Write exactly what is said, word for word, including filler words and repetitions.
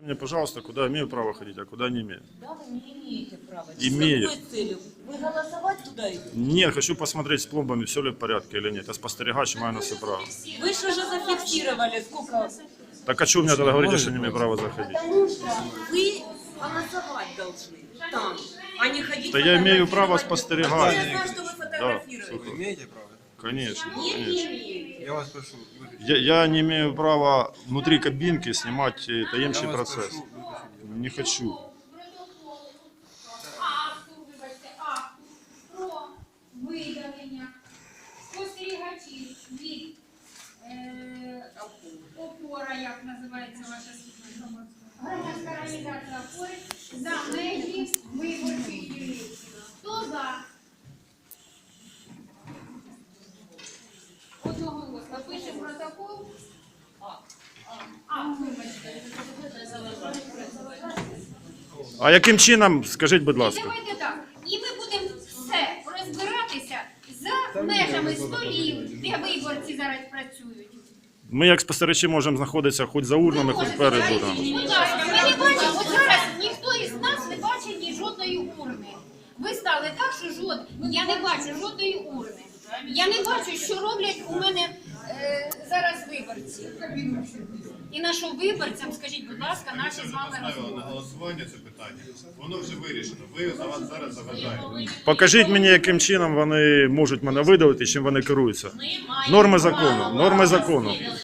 Мне, пожалуйста, куда имею право ходить, а куда не имею. Да, вы не имеете права. Имею. С какой целью? Вы голосовать туда идете? Нет, хочу посмотреть с пломбами, все ли в порядке или нет. Я спостерегач, маю на все право. Вы же уже зафиксировали, сколько... Так а что вы мне тогда говорите, что не имею права заходить? Потому что вы голосовать должны там, а не ходить Да я имею право фотографировать. спостерегать. Я знаю, что вы фотографируете. Да, Вы имеете право? Конечно, Не конечно. имеете. Я вас прошу, выключите. Я, я не имею права внутри кабинки снимать э, таемный Я вас процесс. прошу, выключите. Не хочу. Акту, вибачте, акту про видалення спостерігачів від е, опора, як називається ваша служба, громадська організація опори, за межі виборчих дільниць. Хто за? Одноголосно. Пишемо протокол. А, вибачте. А яким чином, скажіть, будь І ласка? давайте так. І ми будемо все розбиратися за межами столів, де виборці зараз працюють. Ми як спостерігачі можемо знаходитися хоч за урнами, хоч перед урнами. Будь ласка, ми не бачимо, от зараз ніхто із нас не бачить ні жодної урни. Ви стали так, що жод... я не бачу жодної урни. Я не бачу, що роблять у мене е, зараз виборці. І на що виборцям, скажіть, будь ласка, наші з вами Поставила на розмови. голосування це питання. Воно вже вирішено. Ви за вас зараз заважаєте. Покажіть мені, яким чином вони можуть мене видалити, чим вони керуються. Норми закону, норми закону.